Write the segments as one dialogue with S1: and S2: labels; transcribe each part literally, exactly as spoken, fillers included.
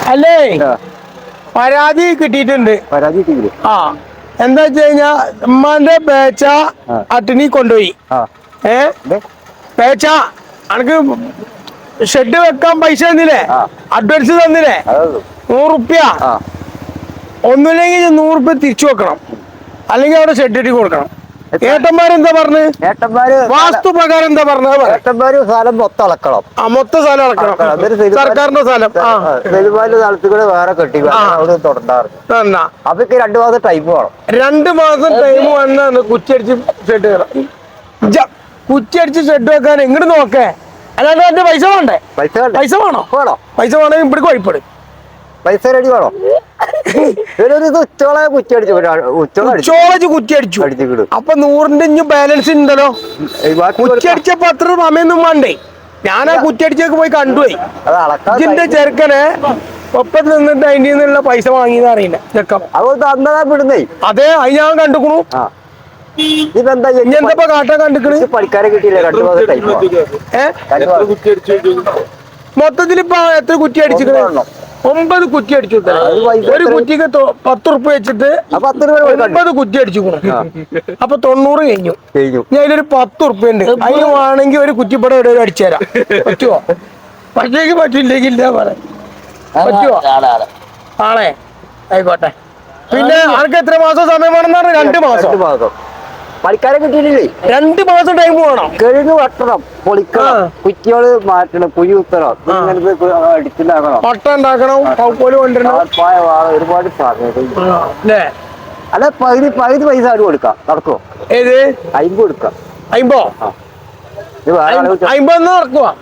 S1: അല്ലേ പരാതി കിട്ടിയിട്ടുണ്ട്.
S2: പരാതി
S1: ആ എന്താ വെച്ച് കഴിഞ്ഞാ ഉമ്മാന്റെ പേച്ച അട്ടിനി കൊണ്ടുപോയി. ഏ പേച്ച അനക്ക് ഷെഡ് വെക്കാൻ പൈസ തന്നില്ലേ, അഡ്വാൻസ് തന്നില്ലേ നൂറുപ്യ. ഒന്നുമില്ലെങ്കിൽ നൂറുപ്യ തിരിച്ചു വെക്കണം, അല്ലെങ്കിൽ അവിടെ ഷെഡ് ഇട്ടി കൊടുക്കണം. ഏട്ടന്മാരെന്താ പറഞ്ഞ്?
S2: ഏട്ടന്മാര്
S1: വാസ്തു പ്രകാരം എന്താ പറഞ്ഞത്?
S2: ഏട്ടന്മാര് സ്ഥലം മൊത്തം അളക്കണം.
S1: ആ മൊത്തം സ്ഥലം അളക്കണം, സർക്കാരിന്റെ സ്ഥലം.
S2: സ്ഥലത്ത് കൂടെ വേറെ കെട്ടി അവിടെ തുടണ്ടാറ്. അപ്പൊ രണ്ടു മാസം ടൈം വേണം.
S1: രണ്ട് മാസം ടൈം വന്നാണ് കുറ്റിയടിച്ച് ഷെഡ് കയറാം. കുറ്റിയടിച്ച് ഷെഡ് വെക്കാൻ എങ്ങോട്ട് നോക്കേ, അല്ലാണ്ട് എന്റെ പൈസ വേണ്ടേ? പൈസ പൈസ വേണോ? വേണോ പൈസ വേണമെങ്കിൽ ഇവിടെ കുഴപ്പപ്പെടും.
S2: പൈസ റെഡി വേണോ? ഉച്ചോളെ കുറ്റിയടിച്ചു ഉച്ചോളച്ച് കുറ്റിയടിച്ചു.
S1: അപ്പൊ നൂറിന്റെ ഇഞ്ഞ് ബാലൻസ് ഉണ്ടല്ലോ. കുറ്റിയടിച്ചപ്പോ അത്ര സമയൊന്നും വേണ്ടേ? ഞാൻ ആ കുറ്റിയടിച്ചൊക്കെ പോയി കണ്ടുപോയി. ഇതിന്റെ ചെറുക്കനെ ഒപ്പം നിന്നിട്ട് അതിന്റെ നിന്നുള്ള പൈസ വാങ്ങിയെന്ന് അറിയില്ല ചെക്കം. അതെ അത് ഞാൻ കണ്ടുക്കണു. ഇതെന്താ കാട്ടാൻ കണ്ടിക്കണ്?
S2: പണിക്കാരെ കിട്ടിയില്ല.
S1: മൊത്തത്തിൽ ഇപ്പൊ എത്ര കുറ്റി അടിച്ചിക്കണോ? ഒമ്പത് കുറ്റി അടിച്ചു. ഒരു കുറ്റിക്ക് പത്ത് റുപ്യ വെച്ചിട്ട് ഒമ്പത് കുറ്റി അടിച്ചു. അപ്പൊ തൊണ്ണൂറ് കഴിഞ്ഞു. ഞാൻ അതിലൊരു പത്ത് റുപ്യ ഉണ്ട്. അതിന് വേണമെങ്കിൽ ഒരു കുറ്റിപ്പടം ഇവിടെ അടിച്ചു തരാം. പറ്റുമോ? പറ്റേക്ക് പറ്റില്ലെങ്കിൽ ഇല്ല പറയാം. പറ്റുമോ? ആണേ ആയിക്കോട്ടെ. പിന്നെ ആർക്ക് എത്ര മാസം സമയം വേണമെന്ന് പറഞ്ഞാൽ രണ്ട് മാസം.
S2: പണിക്കാരെ കിട്ടിയിട്ടില്ലേ?
S1: രണ്ട് മാസം ടൈം വേണം.
S2: കഴുകി വെട്ടണം, പൊളിക്കണം, കുറ്റികള് മാറ്റണം, കുഴി കുത്തണം, അടിച്ചുണ്ടാക്കണം,
S1: പട്ട ഉണ്ടാക്കണം, കൊണ്ടുവരണം.
S2: ഒരുപാട് അല്ല പകുതി പകുതി പൈസ ആരും കൊടുക്കാം. നടക്കുവോ?
S1: ഏത്
S2: അയിമ്പ് കൊടുക്കാം.
S1: അയിമ്പോ അയിമ്പന്ന് നടക്കുവാ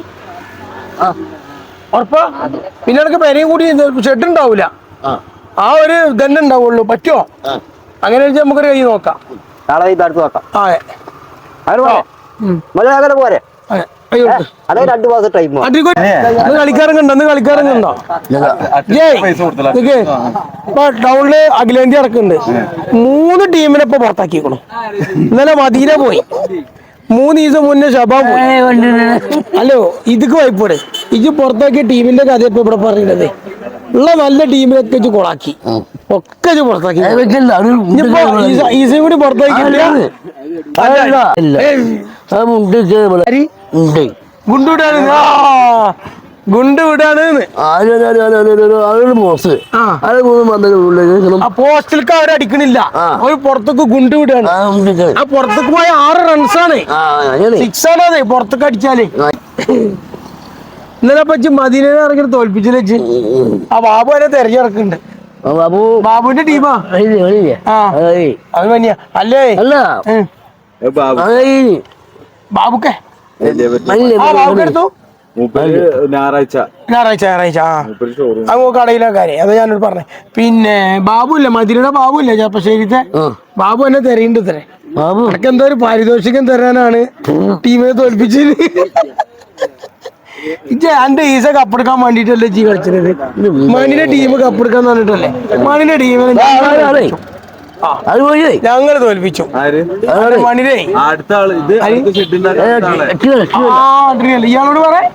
S1: ഉറപ്പാ? പിന്നെ എനിക്ക് പെരയും കൂടി ഷെഡ് ഉണ്ടാവൂല. ആ ഒരു തന്നെ ഉണ്ടാവുള്ളൂ. പറ്റുമോ? അങ്ങനെ വെച്ചാൽ നമുക്കൊരു കൈ നോക്കാം.
S2: നാളെ അടുത്ത് നോക്കാം. പോരെ രണ്ടു മാസം ടൈം.
S1: കളിക്കാരങ്ങണ്ടോ? കളിക്കാരങ്ങണ്ടോ? ടൗണില് അഖിലേന്ത്യ ഇറക്കുന്നുണ്ട്. മൂന്ന് ടീമിനെ ഇപ്പൊ പുറത്താക്കിക്കണം. ഇന്നലെ മദീന പോയി, മൂന്ന് ദിവസം മുന്നേ ഷബാ പോയി. ഹലോ ഇതൊക്കെ വായ്പോടെ ഇത് പുറത്താക്കിയ ടീമിന്റെ കഥ ഇപ്പൊ ഇവിടെ പറയുന്നത്. ഉള്ള നല്ല ടീമിനൊക്കെ ഇച്ച് കൊളാക്കി, ഒക്കെ പുറത്താക്കി. ഈസയും കൂടി പുറത്താക്കിയില്ല. ഗുണ്ടുവിടാണ് ഗുണ്ട് വിടാണ്. പോസ്റ്റിലേക്ക് അവർ അടിക്കണില്ല, അവര് പുറത്തേക്ക് ഗുണ്ട് വിടാണ്. ആ പുറത്തേക്ക് പോയ ആറ് റൺസാണ്, സിക്സ് ആണ്. അതെ പുറത്തേക്ക് അടിച്ചാല്. ഇന്നലെ പറ്റി മദീനെ ഇറങ്ങി തോൽപ്പിച്ചില്ല വെച്ച്. ആ ബാബു അതിനെ തെരഞ്ഞെടുക്കുന്നുണ്ട്. ബാബു ബാബുവിന്റെ ടീമാ. അത് തന്നെയാ അല്ലേ? ബാബുക്കെ ബാബുക്കെടുത്തു ഞായറാഴ്ച ഞായറാഴ്ച ഞായറാഴ്ച ആ അങ്ങ് കടയിലെ കാര്യം അത് ഞാനോട് പറഞ്ഞേ. പിന്നെ ബാബു ഇല്ല, മദീനയുടെ ബാബു ഇല്ല ചെപ്പശ്ശേരിത്തെ ബാബു എന്നെ തെരയുണ്ട്. ഇത്രേ അനക്ക് എന്തോ ഒരു പാരിതോഷികം തരാനാണ് ടീമിനെ തോൽപ്പിച്ചത്. എന്റെ ഈസ കപ്പെടുക്കാൻ വേണ്ടിട്ടല്ലേ ജി കളിച്ചത്. മണിന്റെ ടീം കപ്പെടുക്കാൻ പറഞ്ഞിട്ടല്ലേ മണിന്റെ ടീമിനെ ഞങ്ങള് തോൽപ്പിച്ചു. മണിരേ ഇയാളോട് പറയാ.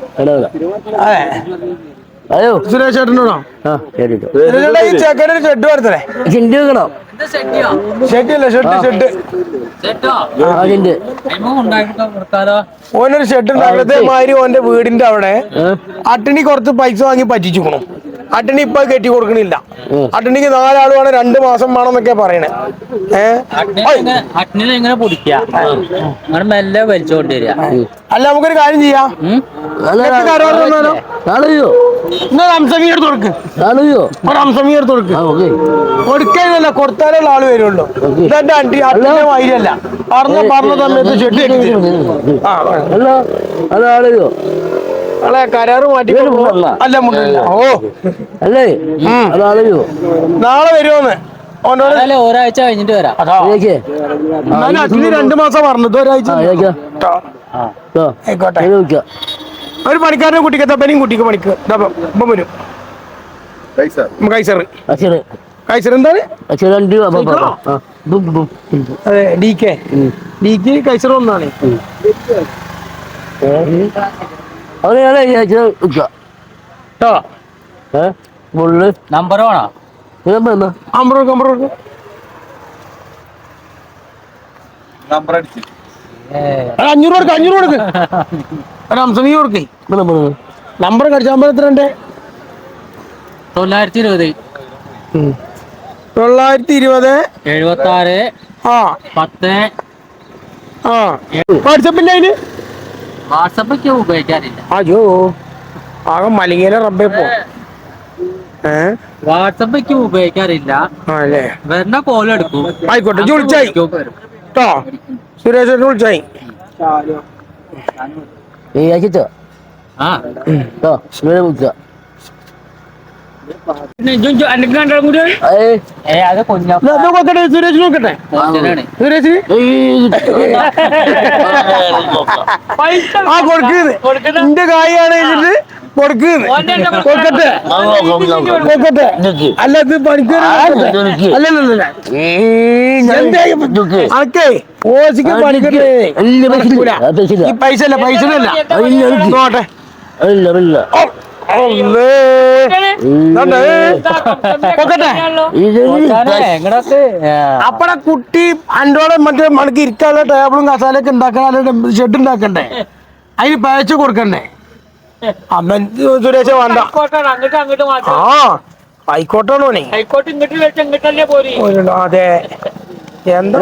S1: അതെ സുരേഷ് ചേട്ടനോടോ? ഈ ചെക്കൻ്റെ ഷെഡ് വരുത്തേ. ഷെഡില്ല ഷെഡ് ഷെഡ് ഓനൊരു ഷെഡ് ഉണ്ടാക്കത്തെ മാതിരി ഓന്റെ വീടിന്റെ അവിടെ അട്ടണി കുറച്ച് പൈസ വാങ്ങി പറ്റിച്ചുക്കണു. അട്ടണി ഇപ്പൊ കെട്ടി കൊടുക്കണില്ല. അട്ടണിക്ക് നാലാള് വേണം, രണ്ട് മാസം വേണം എന്നൊക്കെ പറയണേ. അല്ല നമുക്കൊരു കാര്യം ചെയ്യാം, കൊടുക്കാനല്ല കൊടുത്താലേ ആള് വരുള്ളൂ. ഇതെന്റെ അണ്ടി അട്ടിന്റെ വൈരല്ല പറഞ്ഞ പറഞ്ഞ സമയത്ത് ഷെഡ് അല്ലെ കരാറ് മാറ്റി അല്ല മുണ്ടില്ല. ഓ അല്ലേ നാളെ വരുമോന്ന്
S3: ഒരാഴ്ച കഴിഞ്ഞിട്ട് വരാം.
S1: അച്ഛന് രണ്ടു മാസം പറഞ്ഞത് ഒരാഴ്ച ആയിക്കോട്ടെ. ഒരു പണിക്കാരനെ കുട്ടിക്ക് തപ്പനെയും കുട്ടിക്ക് പണിക്ക് ഇപ്പം വരും. കൈസർ കൈസർ എന്താണ്? അതെ D K D K Kaiser ഒന്നാണ്.
S2: ഫുള്ള്
S3: നമ്പർ വേണോ?
S1: അമ്പത് കൊടുക്ക് അമ്പത് കൊടുക്ക്
S4: നമ്പർ അടിച്ച്
S1: ഒരു അഞ്ഞൂറ് കൊടുക്ക് അഞ്ഞൂറ് കൊടുക്ക് ഒരു അംസമി കൊടുക്കേ നമ്പർ കടിച്ച നമ്പർ എത്ര ഉണ്ട്?
S3: തൊള്ളായിരത്തി ഇരുപത്
S1: തൊള്ളായിരത്തി ഇരുപത്
S3: എഴുപത്തി ആറ്
S1: ആ
S3: പത്ത്.
S1: ആ വാട്സപ്പിന്റെ അതിന്
S3: വാട്സപ്പൊക്കെ ഉപയോഗിക്കാറില്ല.
S1: അയ്യോ ആകെ മലിങ്ങേനെ റബ്ബേ പോ ഏ
S3: വാട്സപ്പൊക്കെ ഉപയോഗിക്കാറില്ല.
S1: ആ അല്ലേ
S3: വരുന്ന കോൾ എടുക്കും.
S1: ആയിക്കോട്ടെ ഇജ്ജ് വിളിച്ചായി കേട്ടോ സുരേഷ് വിളിച്ചായി
S3: ആ ഏ അത് കുഞ്ഞാ
S1: നോക്കട്ടെ സുരേഷ് നോക്കട്ടെ സുരേഷ് ആ കൊടുക്കുന്നത് എന്റെ കായാണ് എന്നിട്ട് കൊടുക്കുന്നത് കൊടുക്കട്ടെ കൊടുക്കട്ടെ അല്ല ഇത് പണിക്കൂർ അല്ലല്ല അനക്കേ ഓസിക്ക് പണിക്കൂർ ഈ പൈസ അല്ല പൈസ അല്ല നോട്ടെ അപ്പടെ കുട്ടി അൻഡോടെ മറ്റേ മണിക്ക് ഇരിക്കാനുള്ള ടേബിളും കസാലൊക്കെ ഉണ്ടാക്കാൻ ഷെഡ് ഉണ്ടാക്കണ്ടേ അതിന് പയച്ചു കൊടുക്കണ്ടേ അമ്മ സുരേഷ വേണ്ട ആ ഹൈക്കോട്ടാണോ അതെ എന്താ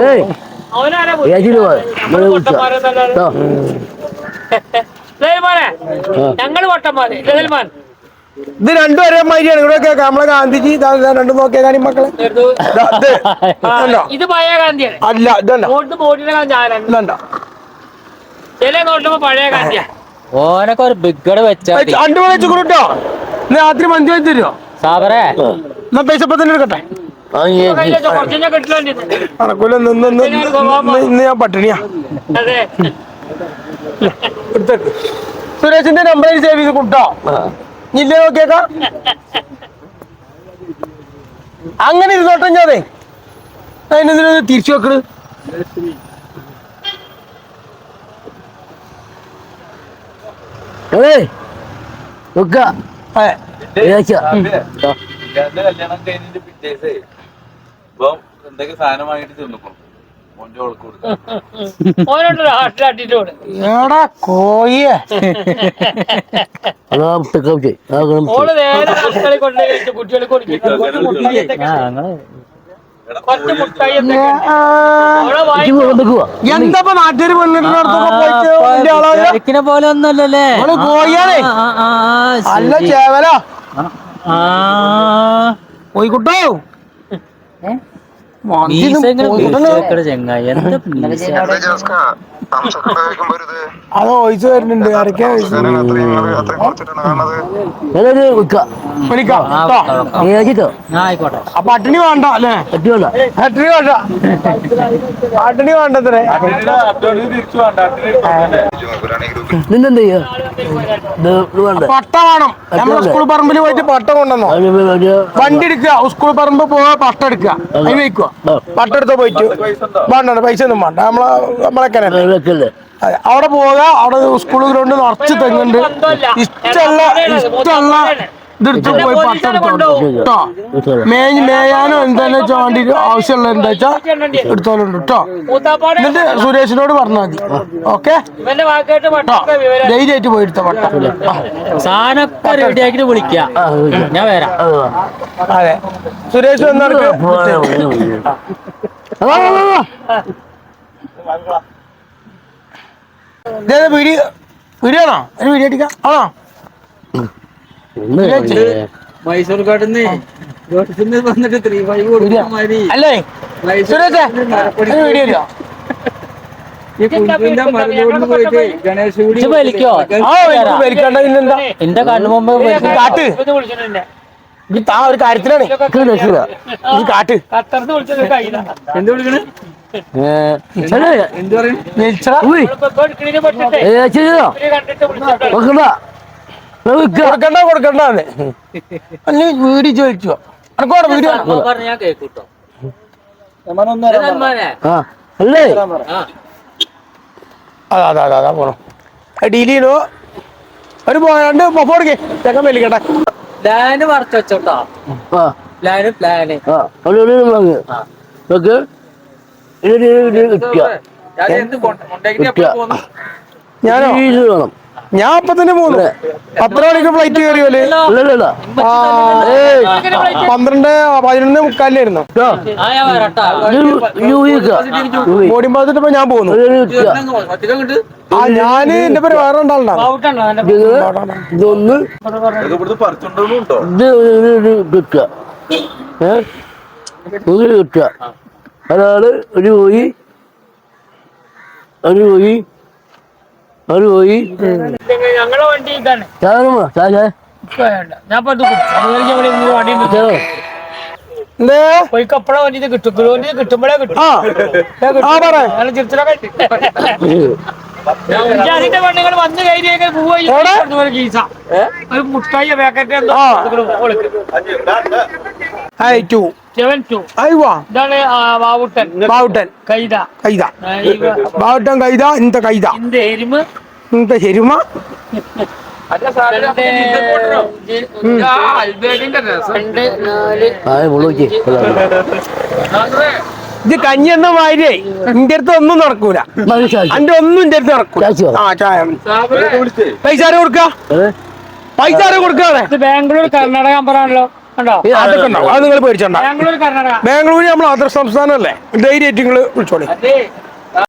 S5: ഞങ്ങള് പൊട്ടന്മാര് ജഗൽമാൻ
S1: ഇത് രണ്ടും ഒരേ മാതിരിയാണ് ഇവിടെ നമ്മളെ ഗാന്ധിജി രണ്ടും നോക്കിയ കാര്യം മക്കളെ
S5: ഇത് പഴയ ഗാന്ധിയാണ്.
S1: അല്ല ഇതല്ല
S5: നോട്ട് മോഡിയുടെ ഗാന്ധി
S1: ഇതണ്ട
S5: ചില നോട്ടുമ്പോ പഴയ ഗാന്ധിയാ.
S3: ഓനൊക്കെ ഒരു ബിഗഡ് വെച്ചാ
S1: അണ്ടു വെച്ചു കൊടുട്ടോ രാത്രി മന്തി വെച്ച് തരുമോ
S3: സാബറേ?
S1: എന്നാ പൈസ ഇപ്പൊ തന്നെ എടുക്കട്ടെ
S5: കുറച്ചു കിട്ടില്ല.
S1: കണക്കൂല നിന്ന് ഇന്ന് ഞാൻ പട്ടിണിയാ
S5: അതെ
S1: എടുത്തേക്ക് സുരേഷിന്റെ നമ്പർ സേവ് ചെയ്ത് കൊടുട്ടോ ഇല്ലേ നോക്കിയേക്കാം അങ്ങനെ ഇരുന്നോട്ടെ ഞാനേ അതിനെന്തിനാ തിരിച്ചു വെക്കണ്
S4: കല്യാണം കഴിഞ്ഞിട്ട് പിറ്റേസേ ഇപ്പൊ എന്തൊക്കെ സാധനം വാങ്ങിട്ട് തിന്നിക്കണം മോന്റെ ഓൾക്ക് കൊടുക്കാം
S5: ഓരോട്ടോ ഹാട്ടിലാട്ടിട്ടോട്
S1: എടാ കോയെ
S5: ഓള് നേരെ മക്കളെ കൊണ്ടുപോയി കുട്ടികളെ കൊടുക്കും. കുറച്ച് മുട്ടായി
S1: എന്താ നാട്ടുകാര് പെണ്ണിടത്തൊക്കെ പോയിട്ട് വലിയ ആളാവില്ല.
S3: തിരക്കിനെ പോലെ ഒന്നല്ലേ?
S1: ഓള് കോയാണേ അല്ല ചേവല കോയിക്കുട്ടോ
S3: ചെങ്ങായി എന്താ
S1: അത് വോയിസ് വരുന്നുണ്ട് ആരൊക്കെയാ വിളിക്കാം
S3: ആയിക്കോട്ടെ.
S1: അപ്പൊ പട്ടിണി വേണ്ട അല്ലേ? പട്ടിണി വേണ്ട പട്ടിണി വേണ്ടത്രേ.
S4: തിരിച്ചു വേണ്ട
S1: പട്ട വേണം. നമ്മള് സ്കൂൾ പറമ്പിൽ പോയിട്ട് പട്ട കൊണ്ടുവന്നോ വണ്ടി എടുക്കുക സ്കൂൾ പറമ്പ് പോവാ പട്ട എടുക്കുക അതിന് വെക്കുക പട്ട എടുത്തോ പോയിട്ട് വേണ്ട പൈസ ഒന്നും വേണ്ട നമ്മളെ നമ്മളൊക്കെ അവിടെ പോവുക അവിടെ സ്കൂൾ ഗ്രൗണ്ട് നിറച്ച് തെങ്ങുണ്ട് ഇഷ്ടമുള്ള ഇഷ്ടമുള്ള ഇതെടുത്ത് പോയി പട്ട എടുത്തോളൂ കേട്ടോ മേഞ്ഞ് മേയാനോ എന്താന്ന് വെച്ചാൽ വേണ്ടി ആവശ്യമുള്ള എന്താ വെച്ചാ എടുത്തോളുണ്ട് കേട്ടോ എന്നിട്ട് സുരേഷിനോട് പറഞ്ഞാൽ മതി ഓക്കെ ധൈര്യമായിട്ട് പോയി എടുത്ത പട്ട
S3: സാധനമൊക്കെ റെഡി ആക്കിട്ട് വിളിക്കാം ഞാൻ വരാം.
S1: അതെ സുരേഷ് വന്നവർക്ക് വീഡിയോ വീഡിയോ ആണോ ഒരു വീഡിയോ അടിക്കാം ആണോ?
S3: മൈസൂർ കാട്ടിന്ന് വന്നിട്ട് ത്രീ ഫൈവ് കൊടുക്കാൻ മതി.
S1: അല്ലേ സുരേഷ് ഒരു വീഡിയോ ഇല്ല
S3: വലിക്കോ?
S1: വലിക്കണ്ട ഇന്നെന്താ
S3: എന്റെ കണ്ണു മുമ്പ്
S1: കാട്ട് ഈ താ ഒരു കാര്യത്തിലാണ് ഈ കാട്ട്
S5: ഖത്തർന്ന് വിളിച്ചത് കയ്യില
S3: എന്ത് വിളിക്കണേ? എന്ത് പറയും?
S1: കൊടുക്കണ്ട കൊടുക്കണ്ടെന്ന് അല്ല വീഡിയോ ചോദിച്ചോ അനക്കോടെ വീഡിയോ
S3: ഞാൻ കേട്ടോ.
S1: അതാ അതാ അതാ പോണോ ഡീൽ ചെയ്യണോ ഒരു രണ്ട് പൊക്കോടുക്കേ ചെക്കൻ വലിക്കട്ടെ
S3: പ്ലാന് മറച്ചു വെച്ചോട്ടാ
S6: ആ
S3: പ്ലാന് പ്ലാന്
S6: ആ ഒരു ഒരു വാങ്ങ് ഓക്കെ ഇത് കിട്ടുക
S3: ഞാൻ എന്ത് കൊണ്ടേക്കിട്ട് എപ്പോഴും പോന്നു
S1: ഞാനോ
S6: ഇത് വേണം
S1: ഞാൻ അപ്പൊ തന്നെ പോന്നു പത്തര മണിക്ക് ഫ്ലൈറ്റ് കയറിയോല്
S6: ഇല്ലല്ല
S1: ആ, ഏയ്, പന്ത്രണ്ട് പതിനൊന്ന് മുക്കാലിനായിരുന്നു
S3: ആ ഞാൻ വരട്ടാ
S1: ബോഡി പാസിട്ട് ഇപ്പൊ ഞാൻ പോന്നു
S3: ഒറ്റ കിട്ട്
S1: ആ ഞാന് എന്റെ പേര് വേറെ ഉണ്ടാണ്ടാണ്
S5: ഔട്ടാണോ എന്റെ
S6: ഇതൊന്ന്
S4: ഇതൊക്കെ ഇവിടുന്ന് പറിച്ചോണ്ടോ
S6: ഇത് ഒരു ഒരു കിട്ടുക ഏ ഒരു കിട്ടുക ഒരാള് ഒരു കോഴി ഒരു കോഴി ഒരു കോഴി
S5: ഞങ്ങളെ വണ്ടി ഇതാണ്
S6: ചാകരമാ ചായ
S5: ഇപ്പൊ വേണ്ട ഞാൻ ഇപ്പൊ ഇത് കുടിച്ചു. അതുവരെ ഞാൻ ഇവിടെ ഇരുന്ന് വണ്ടി നിർത്തി.
S1: എന്തേ
S5: പോയി കപ്പള വണ്ടി കിട്ടും കിലോ വണ്ടി കിട്ടുമ്പോഴേ കിട്ടും
S1: ആ ആ പറ
S5: നല്ല ചിരിച്ചിലൊക്കെ അതിന്റെ പെണ്ണുങ്ങൾ വന്ന് കയറിയൊക്കെ
S1: എവിടെ?
S5: പോയി ഗീസ ഒരു മുട്ടായി പാക്കറ്റ് എന്തോ
S1: ആ.
S5: കൊടുക്കും
S1: ഐ ടു
S5: സെവൻ ടു
S1: അയ്വാ
S5: ഇതാണ് ആ, ബാവുട്ടൻ
S1: ബാവുട്ടൻ
S5: കൈത
S1: കൈത
S5: ആ, ഇവ-
S1: ബാവുട്ടൻ കൈത ഇന്ത കൈത
S5: இந்த எருமை
S1: ഇന്ത ശരിമ
S5: രണ്ട് രണ്ട് നാല്
S6: ആയ മുളക്
S1: ഇത് കഞ്ഞി എന്ന മാതിരിയേ ഇന്റെ അടുത്ത് ഒന്നും നടക്കൂല അന്റെ ഒന്നും ഇന്റെ അടുത്ത് നടക്കൂല ആ ചായ പൈസ ആരെ കൊടുക്ക പൈസ ആരെ കൊടുക്കാതെ
S5: ഇത് ബാംഗ്ലൂർ കർണാടക നമ്പറാണല്ലോ കണ്ടോ
S1: അതൊക്കെ ഉണ്ടാവും അത് നിങ്ങൾ പേടിച്ചണ്ട
S5: ബാംഗ്ലൂർ കർണാടക
S1: ബാംഗ്ലൂര് നമ്മൾ അതർ സംസ്ഥാനമല്ലേ ധൈര്യമായിട്ട് നിങ്ങൾ വിളിച്ചോളി
S5: അതെ